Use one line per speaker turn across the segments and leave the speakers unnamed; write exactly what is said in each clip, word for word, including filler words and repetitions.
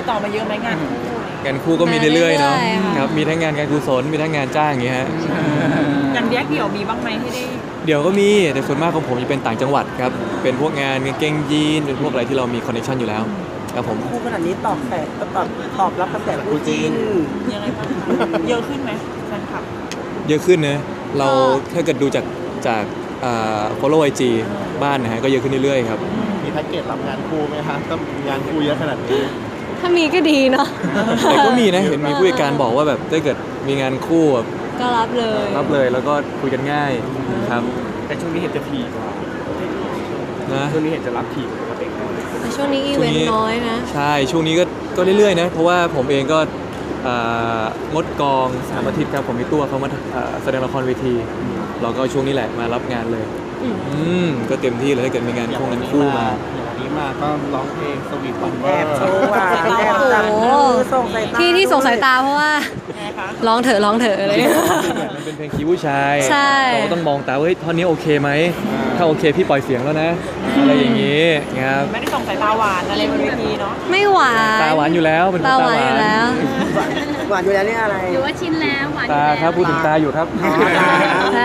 ดต่อมาเยอะไหมงานคู่
งานคู่ก็มีเรื่อยๆเนาะ
เรื่อยๆค่ะ
ครับมีทั้งงานการกุศลมีทั้งงานจ้างอย่างเงี้ยฮะ
งานแยกเดี่ยวมีบ้างไหมที่ได้
เดี๋ยวก็มีแต่ส่วนมากของผมจะเป็นต่างจังหวัดครับเป็นพวกงานกางเกงยีนเป็นพวกอะไรที่เรามีคอนเนคชั่นอยู่แล้วครับผม
คู่ขนาดนี้ตอบแฝดตอบตอบรับกระแสคู่จิ้น
ยังไงบ้างคะเยอะขึ้นไหมแฟนคลับ
เยอะขึ้นนะเราถ้าเกิดดูจากจากอ่า follow ไอ จี บ้านนะฮะก็เยอะขึ้นเรื่อยๆครับ
มีแพ็กเกจรับงานคู่ไหมคะก็งานคู่เยอะขนาดนี้
ถ้ามีก็ดีเนาะ
แต่ก็มีนะเห็นมีผู้จัดการบอกว่าแบบถ้าเกิดมีงานคู่แบบ
ก็รับเลย
รับเลยแล้วก็คุยกันง่ายครับ
แต่ช่วงนี้เห็นจะถี่กว่า
นะ
ช่วงนี้เห็นจะรับถี่กว่าปกติ
ช่วงนี้อีเวนต์น้อยนะ
ใช่ช่วงนี้ก็ก็เรื่อยๆนะเพราะว่าผมเองก็อ่างดกองสามอาทิตย์ครับผมมีตัวเขามาอ่าแสดงละครเวทีเราก็ช่วงนี้แหละมารับงานเลย
อืม
อืมก็เต็มที่เลยถ้าเกิดมีงานคู่งานคู่มา
อย่างวันนี้มาก็ร้องเพลงสวีทวันเว
แอ
อบ ร์
โชว์หวานแอบจับมือส่งสายตา
ที่ที่ส่งสายตาเพราะว่า
ไงคะ
ร้องเถอะร้องเถอะอะไรเลย
มันเป็นเพลงคีย์ผู้ชาย
ใช่
เราก็ต้องมองตาว่าเฮ้ยท่อนนี้โอเคไหมถ้าโอเคพี่ปล่อยเสียงแล้วนะอะไรอย่างนี้ครับ
ไม่ได้ส่งสายตาหวานอะไรบนเวทีเนาะ
ไม่หวาน
ตาหวานอยู่แล้วเป็นคน
ตา
ตา
หวาน
หวา
อยู่
น
แล้ว
หวานอยู่แล้วนี่อะไร
หรือว่าชินแล้วหวาน
ตาครับพูดถึงตาอยู่ครับ
ใช่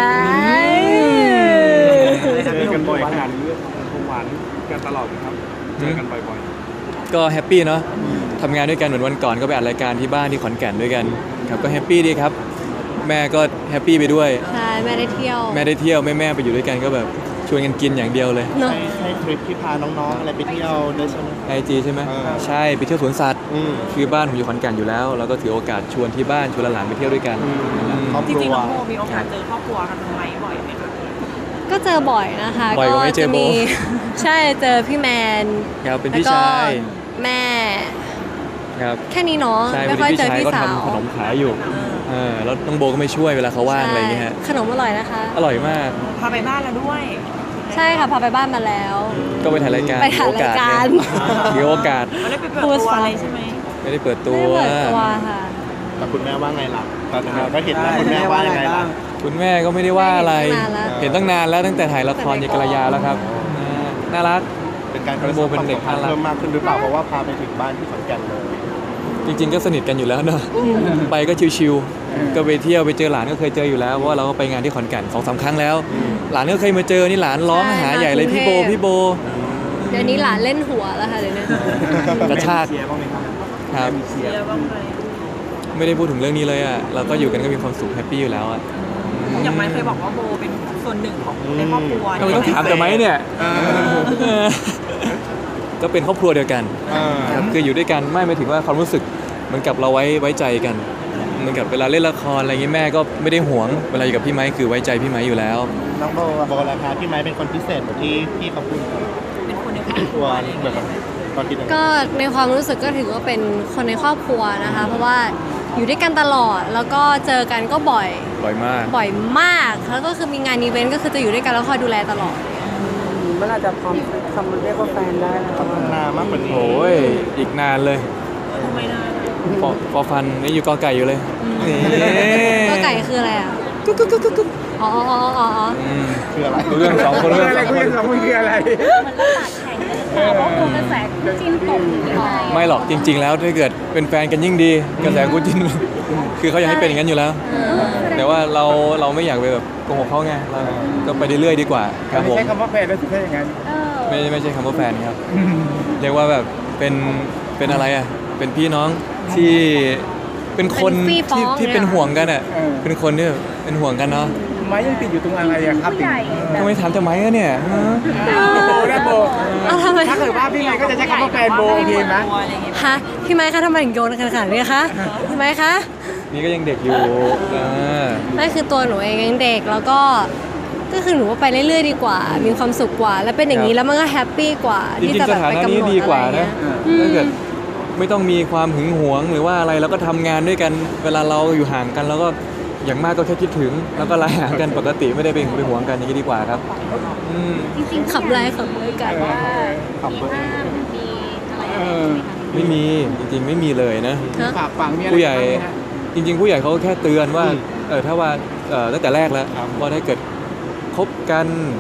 เจอกันบ่อยขนาดนี้คงหวานกันตลอดครับเจอกันบ่อย
ก็แฮปปี้เนาะทำงานด้วยกันเหมือนวันก่อนก็ไปอัดรายการที่บ้านที่ขอนแก่นด้วยกันครับก็แฮปปี้ดีครับ แม่ก็แฮปปี้ไปด้วย
ใช่แม่ได้เที่ยว
แม่ได้เที่ยวแม่แม่ไปอยู่ด้วยกันก็แบบชวนกันกินอย่างเดียวเลย
เนาะ
ให้ให้ทริปที่พาน้องๆอะไรไปเที่ยวด้วยใช่ไหม
ไอจีใช่ไหม
เออ
ใช่ไปเที่ยวสวนสัตว์
อืม
คือบ้านผมอยู่ขอนแก่นอยู่แล้วเราก็ถือโอกาสชวนที่บ้านชวนหลานๆไปเที่ยวด้วยกัน
ครอบ
จ
ครั
ริง
ว
ๆน้องโมมีโอกาสเจอครอบครัวกันไหมบ่อยไหมคะ
ก็เจอบ่อยนะคะ
บ่อยกว่าไม่เจอโบ
มี ใช่เจอพี่แมน
ครับเป็น
แล้ว
พี่
ก็
ชาย
แม่
ครับ
แค่นี้เนาะ
ใช่
ไม่
เป็น
ค่อย
พี่
เจอ
ชาย
พี่
ก็
สาว
ทำขนมขายอยู่เออแล้วน้องโบก็ไม่ช่วยเวลาเขาว่างอะไรอย่างเงี้ยฮะ
ขนมอร่อยนะคะ
อร่อยมาก
พาไปบ้านแล้วด้วย
ใช่ค่ะพาไปบ้านมาแล้ว
ก็ไปถ่ายรายการ
ไปถ่ายรายการ
เดี๋ยวโอกาส
ไม่ได้ไปเปิดตัวอะไรใช่ไหม
ไม่ได้เปิดตั
ไม่
ว
ได้เปิดตัวค่ะ
แต่คุณแม่ว่าไงล่ะตอนนั้นก็เห็นแล้วคุณแม่ว่ายังไงล่ะ
คุณแม่ก็ไม่ได้ว่าอะไร
เห็นตั้งนานแล้ว
เห็นตั้งนานแล้วตั้งแต่ถ่ายละครยายกระยาแล้วครับอ่าน่ารัก
เป็นการ
น้องโบเป็นเด็ก
ความสัมพันธ์
น่ารัก
เพิ่มมากขึ้นหรือเปล่าเพราะว่าพาไปถึงบ้านที่ขอนแก่นเลย
จริงๆก็สนิทกันอยู่แล้วเนอะไปก็ชิวๆก็ไปเที่ยวไปเจอหลานก็เคยเจออยู่แล้วเพราะว่าเราก็ไปงานที่ขอนแก่นสองสามครั้งแล้ว หลานก็เคยมาเจอนี่หลานร้องหาใหญ่เลยพี่โบพี่โบ
เดี๋ยวนี้หลานเล่นหัวแล้วค่ะเดี๋ยวนี้
กระชาก
เชียร์บ้างไหมครับ
ครับ
เชียร์บ้างไหม
ไม่ได้พูดถึงเรื่องนี้เลยอ่ะเราก็อยู่กันก็มีความสุขแฮปปี้อยู่แล้วอ่ะ
อย่างไม้เคยบอกว่าโบเป็นส่วนหนึ่งของในครอบครัว
ทำไมต้องถามแต่ไหมเนี่ยเออก็เป็นครอบครัวเดียวกัน ครับคืออยู่ด้วยกันไม่หมายถึงว่าความรู้สึกเหมือนกับเราไว้ไว้ใจกันเหมือนกับเวลาเล่นละครอะไรเงี้ยแม่ก็ไม่ได้หวงเวลาอยู่กับพี่ไม้คือไว้ใจพี่ไม้อยู่แล้ว
น้องโบโบราคาพี่ไม้เป็นคนพิเศษเหมือนที่พี่เขาพูด
เป็นคนในครอบค
ตั
รั
ว
วอะไรอย่าง
เหมื
เงี้
อน
ย
กับตอนคิดยังไง
ก็ในความรู้สึกก็ถือว่าเป็นคนในครอบครัวนะคะ เพราะว่าอยู่ด้วยกันตลอดแล้วก็เจอกันก็บ่อย
บ่อยมาก
บ่อยมากแล้วก็คือมีงานอีเวนต์ก็คือจะอยู่ด้วยกันแล้วคอยดูแลตลอด
เมื่อไหรจะพร้อมคำเรียกว่าแฟนได้นะครับ
พัฒนามากกว่านี้
โอ้ยอีกนานเลย
ทำไมนะ
ฟอฟอฟันนี่อยู่กอไก่อยู่เลยนี่
ก็ไก่คืออะไรอ่ะกุ๊กกุ๊กกุ๊กกุ๊กอ๋ออ๋ออ๋ออ๋อ
อืม
คืออะไร
เรื่องสองคนเรื่องสองคน
มันก็ปากแข็งเลยหรือเปล่าเพราะกลัวกระแสคู่จิ้นตกหรือยังไง
ไม่หรอกจริง ๆ แล้วถ้าเกิดเป็นแฟนกันยิ่งดีกระแสคู่จิ้น คือเขาอยากให้เป็นอย่างนั้นอยู่แล้ว แต่ว่าเราเราไม่อยากไปแบบโกหกเขาไงเราก็ไปเรื่อยๆดีกว่าครับผม
ใช้คำว่าแฟนแล้วถึงได้อย่างนั้น
เออ
ไม่ไม่ใช่คำว่าแฟนครับ เรียกว่าแบบเป็นเป็นอะไรอ่ะ เป็นพี่น้องที่เป็นคน
เป็นพี่ฟ้
ที่
อง
ที่
เนี่ย
เป็นห่วงกันอ่ะ
เออ
เป็นคนที่แบบเป็นห่วงกันเนาะ
ไม้ยังติดอยู่ตรงอะไรอะครับ
ผู้ใหญ่
ทำไมถามทำไมอะเนี่ยฮะ
โบนะโบ
เอาทำไม
ถ้าเกิดว่าพี่ไม้ก็จะใช้คำว่าแฟนโบโอเคไหม
อะไรอย่างเงี้ย
ฮะพี่ไม้คะทำไมถึงโยนขนาดนี้คะพี่ไม้คะ
นี่ก็ยังเด็กอยู่เออ
นั่นคือตัวหนูเองยังเด็กแล้วก็ก็คือหนูว่าไปเรื่อยๆดีกว่า มีความสุขกว่า แล้วเป็นอย่างนี้แล้วมันก็แฮปปี้กว่า
จริ
ที่
ง
จะ
ๆส
แบบ
ถา
ไป
นะ
กำห
นี้
นด
ดีก
อะไร
ว่า
อย่าง
นะ
เงี้ยอืม
ถ้าเกิดไม่ต้องมีความหึงหวงหรือว่าอะไรแล้วก็ทำงานด้วยกัน เวลาเราอยู่ห่างกันแล้วก็อย่างมากก็แค่คิดถึง แล้วก็ไลน์หากันปกติไม่ได้ไปหึงไปหวงกันอย่างนี้ดีกว่าครับอืม
จริงๆ
ขับไล่ขับไล่กัน
ว่ามีห้ามมีอะไร
เอ
อย่าง
อ
เงี้ย
ไม่มีจริงๆไม่มีเลยนะ
ฮะ
ฝากฝังมีอะไร
ผู้ใหญ่
บ้างไหมฮะ
จริง ๆ ผู้ใหญ่เขาก็แค่เตือนว่าเออถ้าว่าเออตั้งแต่แรกแล้วว่าถ้าเกิดคบกัน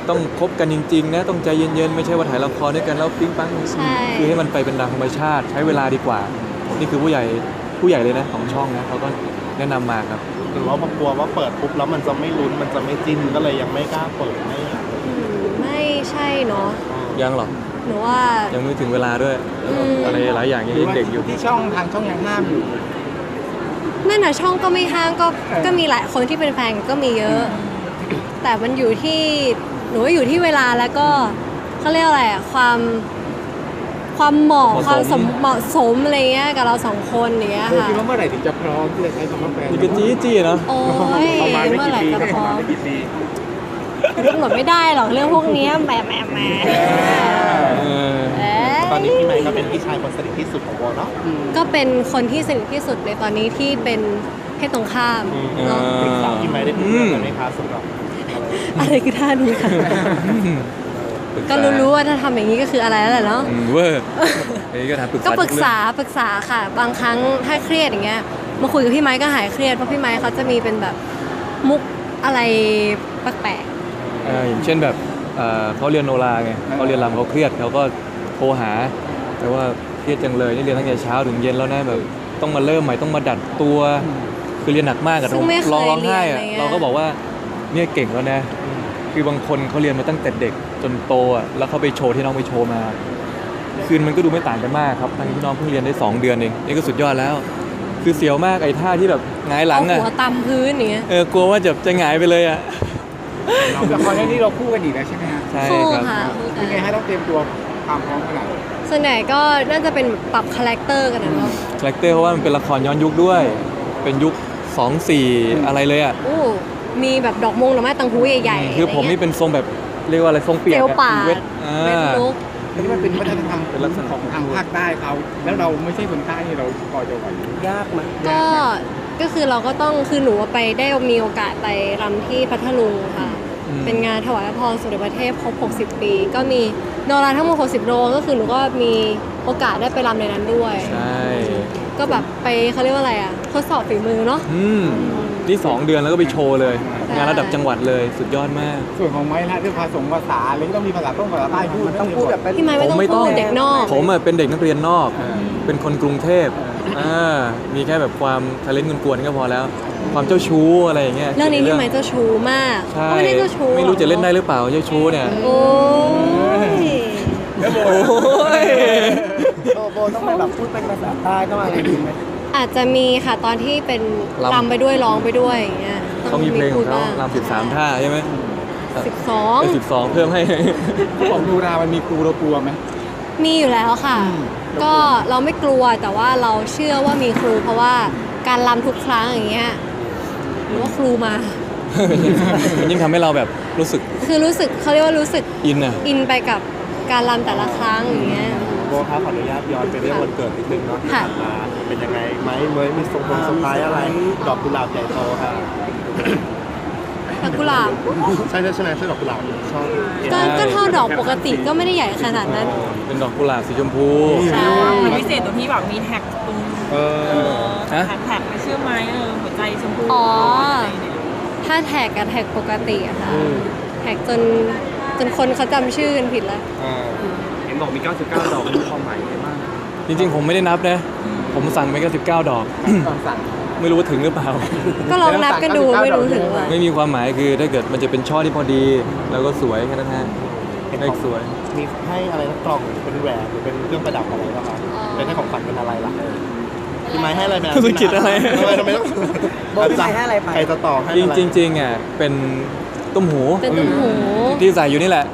ต้องคบกันจริงๆนะต้องใจเย็นๆไม่ใช่ว่าถ่ายละครด้วยกันแล้วปิ๊งปัง
ใช่
คือให้มันไปเป็นตามธรรมชาติใช้เวลาดีกว่า นี่คือผู้ใหญ่ผู้ใหญ่เลยนะของช่องนะเขาก็แนะนำมาครับ
หรือว่าพอกลัวว่าเปิดปุ๊บแล้วมันจะไม่ลุ้นมันจะไม่จิ้นก็เลยยังไม่กล้าเปิดไม่อยาก
อืมไม่ใช่เนาะ
ยังหรอก
หนูว่า
ยังไม่ถึงเวลาด้วย
อืม
อะไรหลายอย่างยังเด็กอยู่
ที่ช่องทางช่องยังห้ามอยู่
นั่นน่ะช่องก็ไม่ห้ามก็ก็มีหลายคนที่เป็นแฟนก็มีเยอะ แต่มันอยู่ที่หนูว่าอยู่ที่เวลาแล้วก็เขาเรียกอะไรอะความความเหมาะ
เหมาะสม
ความสมเหมาะสมอะไรเงี้ยกับเราสองคนอย่างเงี้ย
โบ
ค่ะ
คิดว่าเมื่อไหร่ถึงจะพร้อมที่จะใช้คำว่าแฟน
นี่ก็จี้จี้เนาะ
โอ้ย
ประมาณไม่
เมื่อ
กี่
ไหร่
ปี
จะ
ครับ
พ
ประ
ร้อ
มาณ
ม
ไม่กี่ปี
กำหนดไม่ได้หรอกเรื่องพวกเนี้ยแหมแหมแหม
เออ
เอ้ย
ตอนนี้พี่ไมค์ก็เป็นพี่ชายคนสนิทที่สุดของโบเนาะ
ก็เป็นคนที่สนิทที่สุดในตอนนี้ที่เป็นเพศตรงข้ามเนาะ
ปรึกษาพี่ไมค์ได้ทุกเรื่องเลยไหมคะสำหรับ
อะไรคือท่านี้ค่ะ ก็รู้ๆว่าถ้าทำอย่างนี้ก็คืออะไรแล้วแหละเนาะ
อืมเวอร์เอ้ยก็ถามปรึกษา
ก็ปรึกษา
ทุเอง
ปรึกษาค่ะ บางครั้งถ้าเครียดอย่างเงี้ยมาคุยกับพี่ไม้ก็หายเครียดเพราะพี่ไม้เขาจะมีเป็นแบบมุกอะไรแปลก
เอออย่างเช่นแบบเอ่อเขาเรียนโนราไงเขาเรียนรำเขาเครียดเขาก็โทรหา แต่ว่าเครียดจังเลยนี่เรียนตั้งแต่เช้าถึงเย็นแล้วนะแบบต้องมาเริ่มใหม่ต้องมาดัดตัว คือเรียนหนักมากอะ
ซึ่งไม่เคย
ร้องร้องไห้
เรียน
อะ
อะไรเงี้ย
เราก็บอกว่าเนี่ยเก่งแล้วนะ คือบางคนเขาเรียนมาตั้งแต่เด็กจนโตอะแล้วเขาไปโชว์ที่น้องไปโชว์มา คืนมันก็ดูไม่ต่างกันมากครับทั้งที่น้องเพิ่งเรียนได้สองเดือนเองนี่ก็สุดยอดแล้ว คือเสียวมากไอ้ท่าที่แบบหงาย
ๆ
หลั
เอา
งอะ
หัวตำพื้นอย่างเงี้ย
เออกลัวว่าจะจะหงายไปเลยอะ
ละครเรื่องนี้เราคู่กันอีกแล้วใช่ไหมฮะ
ใช่
คู่
ครับ
ค่ะคู่กั
เป็นไง
น
ให้ต้องเตรียมตัวความพร้อมขนาดไหน
ส่วนใหญ่ก็น่าจะเป็นปรับคาแรคเตอร์กันนะเนาะ
คาแรคเตอร์เพราะว่ามันเป็นละครย้อนยุคด้วย เป็นยุคสองสี่อะไรเลยอ่ะ
อู้มีแบบดอกมงดอกไม้ตังหูใหญ่ๆ
คือผมนี่เป็นทรงแบบเรียกว่าอะไรทรงเปียก
เซล
อะ
ป่า
เว
ด
ทอ่
เวท
า
ลุก
อันนี้มันเป็นวัฒนธรรม
เป็นลักษณะ
ของทางภาคใต้เขาแล้วเราไม่ใช่คนใต้เราพอจะไหวย
ากไหม
ก็ก็คือเราก็ต้องคือหนูไปได้มีโอกาสไปรำที่พัทลุงค่ะ
อืม
เป็นงานถวายพระพรสมเด็จพระเทพครบ หกสิบ ปี ก็มีโนราทั้งหมด หกสิบ โลก็คือหนูก็มีโอกาสได้ไปรำในนั้นด้วย
ใช่
ก็แบบไปเขาเรียกว่าอะไรอ่ะทดสอบฝีมือเนาะ
อืมนี่สองเดือนแล้วก็ไปโชว์เลย งานระดับจังหวัดเลยสุดยอดมาก
ส่วนของไม้ละเรื่องภาษาภาษาอะไรก็ต้องมีภาษาต้องภาษาใต้พูด
ต้องพูดแบบเป็น
พี่ไม้ไม่ต้อง
ผมไม่ต้อง
พูดเด็กนอก
ผมอะเป็นเด็กนักเรียนนอก เป็นคนกรุงเทพอ่ามีแค่แบบความทะเลนกวนๆก็พอแล้ว ความเจ้าชู้อะไรอย่างเงี้ย
เรื่องนี้พี่ไม้เจ้าชู้มาก
ใช่
ก็ไม่ได้เจ้าชู้
ไม่รู้
หอ
จะเล่นได้หรือเปล่าเจ้าชู้เนี่ย
โอ้ย
โอ้ย
โบโบต้องไปแบบพูดเป็นภาษาใต้ต้องอะไรอย่างงี้ไหม
อาจจะมีค่ะตอนที่เป็นรำไปด้วยร้องไปด้วยอย่างเงี้ย
เขามีเพลงของเขารำสิบสามท่าใช่ไหม
สิบสอง
สิบสองเพิ่มให้
ของดูรามันมีครูเรากลัวไหม
มีอยู่แล้วค่ะ ก็เราไม่กลัวแต่ว่าเราเชื่อว่ามีครู เพราะว่าการรำทุกครั้งอย่างเงี้ยหรือว่าครูมา
มันยิ่งทำให้เราแบบรู้สึก
คือรู้สึกเขาเรียกว่ารู้สึก
อินอะ
อินไปกับการรำแต่ละครั้งอย่างเงี้ย
โบครับขออนุญาตย้อนไปเรื่องวันเกิดนิดนึงเนาะที่
ค่ะ
ผ่านมาเป็นยังไงไหมเมยมีส่งผลสไพรส์อะไร ดอกกุหลาบใหญ่โตค่ะ
ดอกกุหลาบ
ใช่ใช่ใช่ไหมใช่ดอกกุหลาบชอบ
ก็ก็เท่าดอกปกติก็ไม่ได้ใหญ่ขนาดนั้น
เป็นดอกกุหลาบสีชมพู
ใช่
มันพิเศษตรงที่แบบมีแท็กตรง
เอ
เอ
อ
อ
ฮะ
แท็กแท็กไม่เชื่อไหมเออหัวใจชมพู
อ๋อ
อะไรเนี่ย
ถ้าแท็กกับแท็กปกติอะค่ะแท็กจนจนคนเขาจำชื่อกันผิดแล้ว
อ่า
เห็นบอกมีเก้าสิบเก้าดอกมีความหมายอะไรบ้าง
จริงๆ ผมไม่ได้นับนะ ผมสั่งไปแค่สิบเก้าดอก
ตอนสั่ง
ไม่รู้ว่าถึงหรือเปล่า
ก็ลองนับกันดูไม่รู้ถึงว่า
ไม่มีความหมายคือถ้าเกิดมันจะเป็นช่อที่พอดี แล้วก็สวยแค่นั้นฮะเลขสวย
มีให้อะไรนะกล่องเป็นแหวนหรือเป็นเครื่องประดับอะไรป่ะคะเป็นให้ของขวัญเป็นอะไรล่ะพี่ไม้ให้อะไรไป
ธุรกิจอะไร
ทำไมทำไมต้อง
โบพี่ไม้ให้อะไรไป
ใครจะต่อให้
จ
อะไร
ริงๆจริงๆอ่ะเป็นตุ้มหู
เป็นตุ้มหู
ที่ใส่อยู่นี่แหละ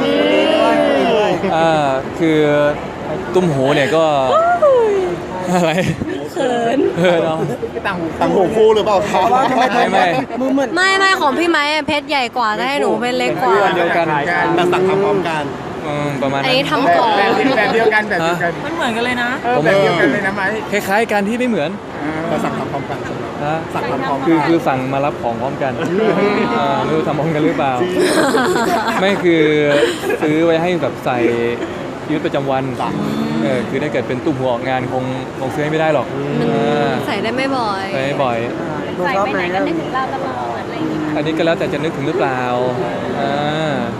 อ่าคือตุ้มหูเนี่ยก็อะไร
เขิน
เออเนาะ
ไปต่างหู
ต่างหูคู่หรือเปล่าคะ
ไม่ไม่
มือเหมือน
ไม่ไม่ของพี่ไม้อะเพชรใหญ่กว่าถ้าให้หนูเพชรเล็กกว่า
เดียวกัน
แต่สั่งทำพร้อมกัน
อืมประมาณ
อัน
นั้น
นี้ทำก่อน
แบบแบบเดียวกันแบบเดียวกัน
มันเหมือนกันเลยนะ
เออแบบเดียวกันเลยนะไหม
คล้ายๆกันที่ไม่เหมือน
แต่สั่งทำพร้อมกันใช่ไหม
นะ
สั่งทำพร้อม
คือ
กัน
คือสั่งมารับของพร้อมกันอ่าไม่รู้ทำพร้อมกันหรือเปล่า ไม่คือซื้อไว้ให้แบบใส่ชีวิตประจำวันเออคือถ้าเกิดเป็นตุ้มหัวออกงานคงคงซื้อให้ไม่ได้หรอกอ่า
ใส่ได้ไม่บ่อย
ใช้ไม่บ่อย
โบ
ใส่
ชอบ
ไป
ไห
ไห
ม
นก็นึกถึงเราตลอดอะไรอย่างเงี้ย
อันนี้ก็แล้วแต่จะนึกถึงหรือเปล่าอ่า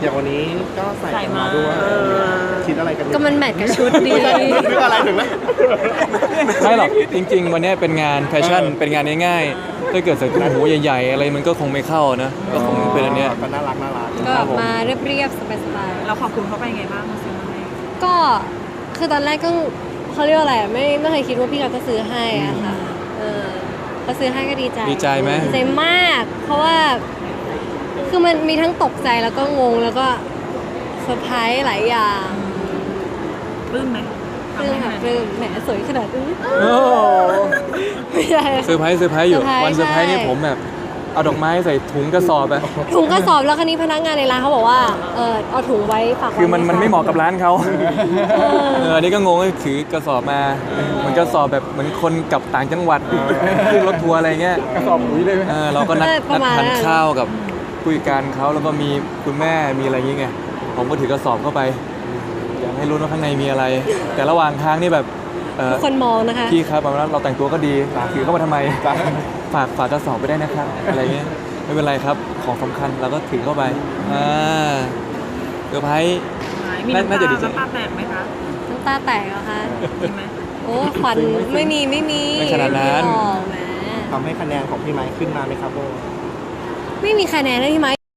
อย่างวันนี้ก็ใส่กันมาด้วยคิดอะไรกันอยู่
ก็มันแมทกับชุดดี
นึกอะไรถึงนะ
ไม่หรอกจริง ๆ วันเนี้ยเป็นงานแฟชั่นเป็นงานง่ายๆถ้าเกิดใส่ตุ้มหูใหญ่ๆอะไรมันก็คงไม่เข้านะก็คงเป็นอันเนี้ย
ก็น่ารักน่ารัก
ก็มาเรียบๆสบาย
เราขอบคุณเขาไปไงบ้างเขาซื้อมาให้
ๆก็คือตอนแรกก็เขาเรียกว่าอะไรอะไม่ไม่เคยคิดว่าพี่เขาจะซื้อให้อะค่ะเออเขาซื้อให้ก็ดีใจ
ดีใจไหม
ดีใจมาก เพราะว่าคือมันมีทั้งตกใจแล้วก็งงแล้วก็เซอร์ไพรส์หลายอย่าง
ปลื้มไหม
ปลื้มค่ะปลื้มแหมสวยขนาดนี้
โอ้
ไม่ใช่
เซอร์ไพรส์เซอร์ไพรส์อยู่
เซอร์ไพรส์
วันเซอร์ไพรส์นี่
ใช่
ผมแบบเอาดอกไม้ใส่ถุงกระสอบอะ
ถุงกระสอบแล้วคันนี้พนักงานในร้านเขาบอกว่าเออเอาถุงไว้ฝากไว้
คือมันมันไม่เหมาะกับร้านเขา
เออ
เอออันนี้ก็งงว่าถือกระสอบมาเหมือนกระสอบแบบเหมือนคนกลับต่างจังหวัดขึ้นรถทัวร์อะไรเงี้ย
กระสอบปุ๋ยเลยไหม
เออเราก็นัด
เออป
นั
ระ
ด
มาณ
ทาน
นั้น
ข้าวกับผู้จัดการเขาแล้วก็มีคุณแม่มีอะไรอย่างเงี้ยผมก็ถือกระสอบเข้าไปอยากให้รู้ว่าข้างในมีอะไร แต่ระหว่างทางนี่แบบเออ
ทุกคนมองนะคะ
พี่ครับเราแต่งตัวก็ดีถือเข้ามาทำไมฝากฝากกระสอบไปได้นะครับอะไรเงี้ยไม่เป็นไรครับของสำคัญเราก็ถือเข้าไปอ่าเซอร์ไพรส์
มีน้ำ
น่า
ตา
จะดีใจ
น้ำตาแตกไหมคะ
น้ำตาแตกเหรอคะ
มีไหม
โอ้ขวัญไม่มีไม่มี
ไม่ขนาดนั้น
ไม่มีหรอกแหม
ทำให้คะแนนของพี่ไม้ขึ้นมาไหมครับโบ
ไม่มีคะแนนเลยที่ไม้